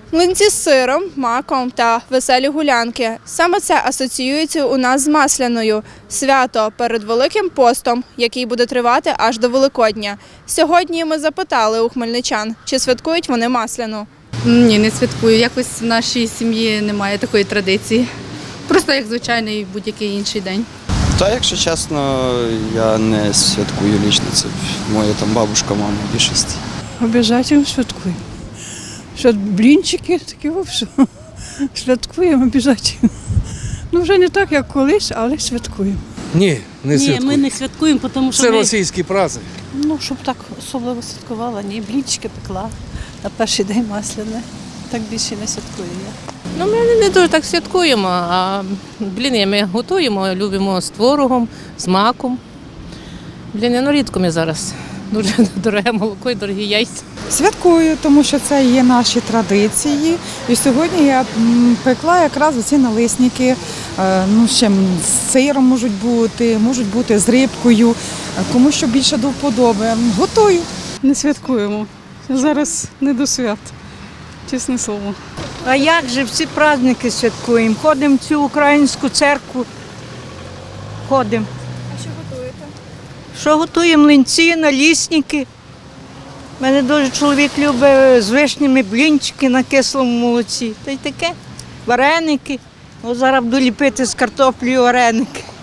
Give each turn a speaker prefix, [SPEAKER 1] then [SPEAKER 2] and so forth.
[SPEAKER 1] Млинці з сиром, маком та веселі гулянки. Саме це асоціюється у нас з Масляною – свято перед Великим постом, який буде тривати аж до Великодня. Сьогодні ми запитали у хмельничан, чи святкують вони Масляну.
[SPEAKER 2] Ні, не святкую. Якось в нашій сім'ї немає такої традиції. Просто як звичайний будь-який інший день.
[SPEAKER 3] Та, якщо чесно, я не святкую лічно. Це моя там бабушка, мама в більшості.
[SPEAKER 4] Обов'язково святкуємо. Що блінчики такі вовсю. Святкуємо обов'язково. Ну вже не так, як колись, але святкуємо.
[SPEAKER 5] Ні, не
[SPEAKER 6] Ні,
[SPEAKER 5] святкую.
[SPEAKER 6] ми не святкуємо, тому що
[SPEAKER 5] Це
[SPEAKER 6] ми,
[SPEAKER 5] російський праздник.
[SPEAKER 6] ну, щоб так особливо святкувала, ні, блінчики пекла на перший день Масляне. Так більше не святкую я.
[SPEAKER 7] Ну, ми не дуже так святкуємо, а бліни ми готуємо, любимо з творогом, з маком. Бліни, ну рідко ми зараз. Дуже дороге молоко і дорогі яйця.
[SPEAKER 8] Святкую, тому що це є наші традиції. І сьогодні я пекла якраз оці налисники. Ну, ще з сиром можуть бути з рибкою, кому що більше до вподоби. Готую.
[SPEAKER 4] Не святкуємо. Зараз не до свят, чесне слово.
[SPEAKER 9] А як же всі праздники святкуємо? Ходимо в цю українську церкву. Ходимо.
[SPEAKER 1] А що готуєте?
[SPEAKER 9] Що готуємо? Млинці, налісники. У мене дуже чоловік любить з вишнями блінчики на кислому молоці. Та й таке. Вареники. От зараз буду ліпити з картоплею вареники.